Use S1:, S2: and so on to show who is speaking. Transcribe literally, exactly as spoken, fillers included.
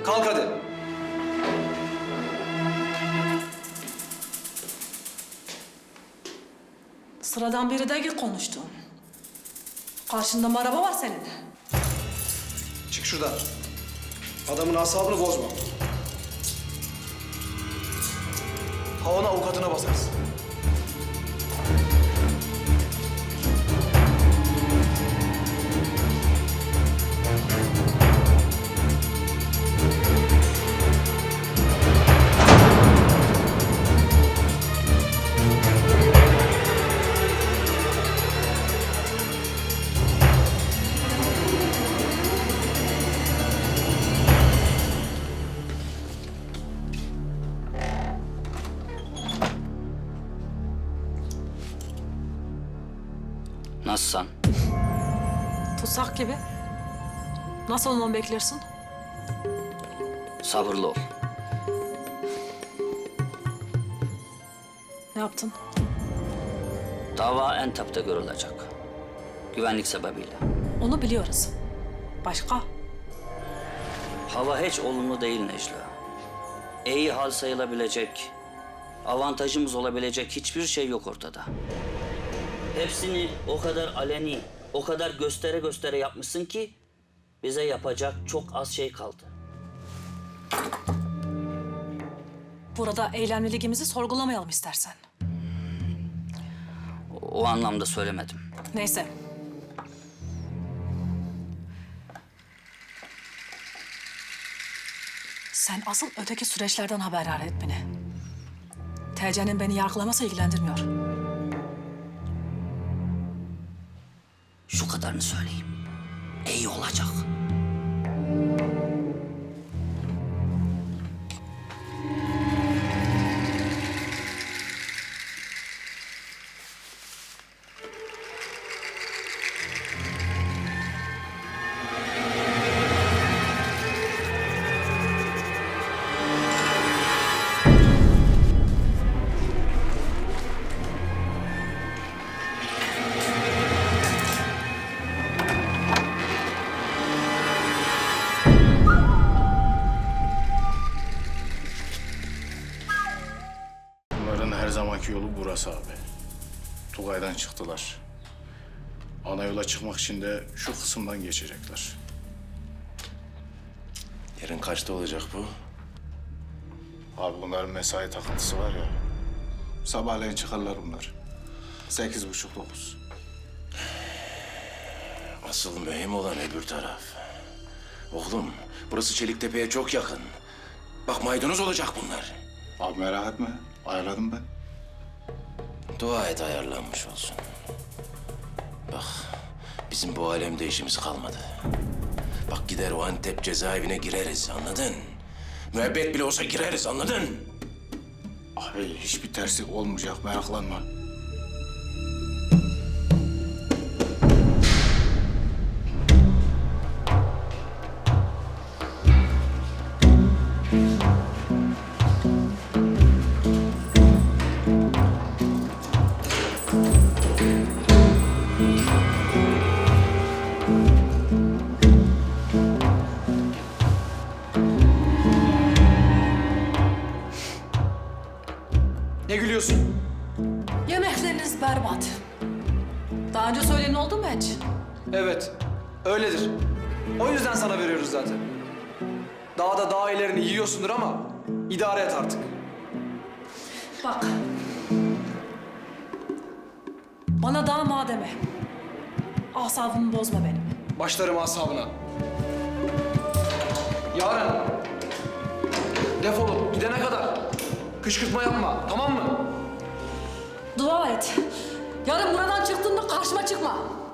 S1: Kalk hadi.
S2: Sıradan biri değil konuştuğun. Karşında mı araba var senin?
S1: Çık şuradan. Adamın asabını bozma. Havana avukatına basarsın.
S3: Nasılsın?
S2: Tutsak gibi. Nasıl olmamı beklersin?
S3: Sabırlı ol.
S2: Ne yaptın?
S3: Dava Entep'te görülecek. Güvenlik sebebiyle.
S2: Onu biliyoruz. Başka?
S3: Hava hiç olumlu değil Necla. İyi hal sayılabilecek, avantajımız olabilecek hiçbir şey yok ortada. Hepsini o kadar aleni, o kadar göstere göstere yapmışsın ki bize yapacak çok az şey kaldı.
S2: Burada eylemliligimizi sorgulamayalım istersen.
S3: O, o anlamda söylemedim.
S2: Neyse. Sen asıl öteki süreçlerden haberdar et beni. T C'nin beni yargılaması ilgilendirmiyor.
S3: Şu kadarını söyleyeyim. İyi olacak.
S4: Bunların her zamanki yolu burası abi. Tugay'dan çıktılar. Ana yola çıkmak için de şu kısımdan geçecekler.
S5: Yarın kaçta olacak bu?
S4: Abi bunların mesai takıntısı var ya. Sabahleyin çıkarlar bunlar. Sekiz buçuk dokuz.
S5: Asıl mühim olan öbür taraf. Oğlum, burası Çeliktepe'ye çok yakın. Bak maydanoz olacak bunlar.
S4: Abi merak etme. Ayarladım ben.
S5: Dua et ayarlanmış olsun. Bak, bizim bu alemde işimiz kalmadı. Bak gider o Antep cezaevine gireriz, anladın? Müebbet bile olsa gireriz, anladın?
S4: Abi hiçbir terslik olmayacak, meraklanma.
S1: Ne gülüyorsun?
S2: Yemekleriniz berbat. Daha önce söyleyen oldu mu hiç?
S1: Evet, öyledir. O yüzden sana veriyoruz zaten. Daha da daha ilerini yiyorsundur ama idare et artık.
S2: Bak. Bana daha ma deme. Asabımı bozma benim.
S1: Başlarım asabına. Yarın defolup gidene kadar kışkırtma yapma, tamam mı?
S2: Dua et. Yarın buradan çıktığında karşıma çıkma.